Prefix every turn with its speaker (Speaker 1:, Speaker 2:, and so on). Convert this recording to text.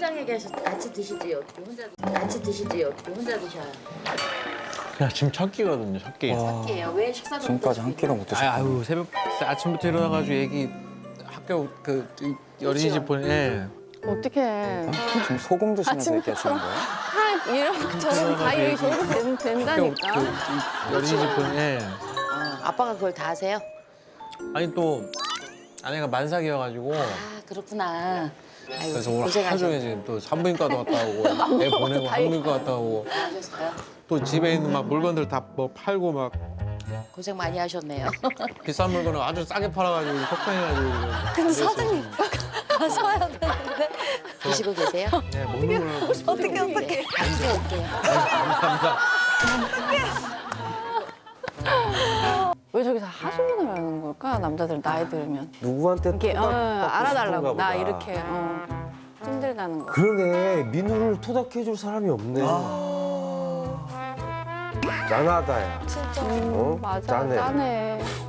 Speaker 1: 현장에 계셔 같이 드시지 어떻게 혼자 같이 드시지 어떻게 혼자 드셔요?
Speaker 2: 야, 지금 첫 끼거든요, 첫 끼.
Speaker 1: 할게요. 왜 식사도
Speaker 3: 지금까지 한 끼도 못 드셨어요.
Speaker 2: 아유, 새벽 아침부터 일어나가지고 애기 학교 어린이집 보내.
Speaker 4: 어떡해.
Speaker 3: 지금 소금 드시면서 얘기하시는 거예요?
Speaker 4: 이런 저런 다 이렇게 저렇게
Speaker 2: 학교
Speaker 4: 된다니까.
Speaker 2: 어린이집 보내.
Speaker 1: 아빠가 그걸 다 하세요?
Speaker 2: 아니 또 아내가 만삭이어가지고
Speaker 1: 아 그렇구나. 아이고
Speaker 2: 그래서 오늘 하루
Speaker 1: 고생하셨어요.
Speaker 2: 종일 지금 또 산부인과도 갔다 오고 애 보내고 한부인과 갔다 오고
Speaker 1: 하셨어요?
Speaker 2: 또 집에 있는 막 물건들 다 뭐 팔고 막
Speaker 1: 고생 많이 하셨네요.
Speaker 2: 비싼 물건을 아주 싸게 팔아가지고 속상해가지고.
Speaker 4: 근데 사장님 가서야 되는데.
Speaker 1: 드시고 계세요?
Speaker 2: 네, 먹는 거는
Speaker 4: 어떻게
Speaker 1: 네, 같이 올게요.
Speaker 2: 감사합니다.
Speaker 4: 왜 저기서 하소연을 하는 걸까? 남자들 나이 들으면.
Speaker 5: 누구한테
Speaker 4: 이렇게
Speaker 5: 토닥받고
Speaker 4: 알아달라고
Speaker 5: 싶은가
Speaker 4: 나
Speaker 5: 보다.
Speaker 4: 이렇게 힘들다는 거.
Speaker 5: 그러네. 민우를 토닥해줄 사람이 없네. 짠하다 야.
Speaker 4: 진짜.
Speaker 5: 어?
Speaker 4: 맞아
Speaker 5: 짠해.
Speaker 4: 짠해.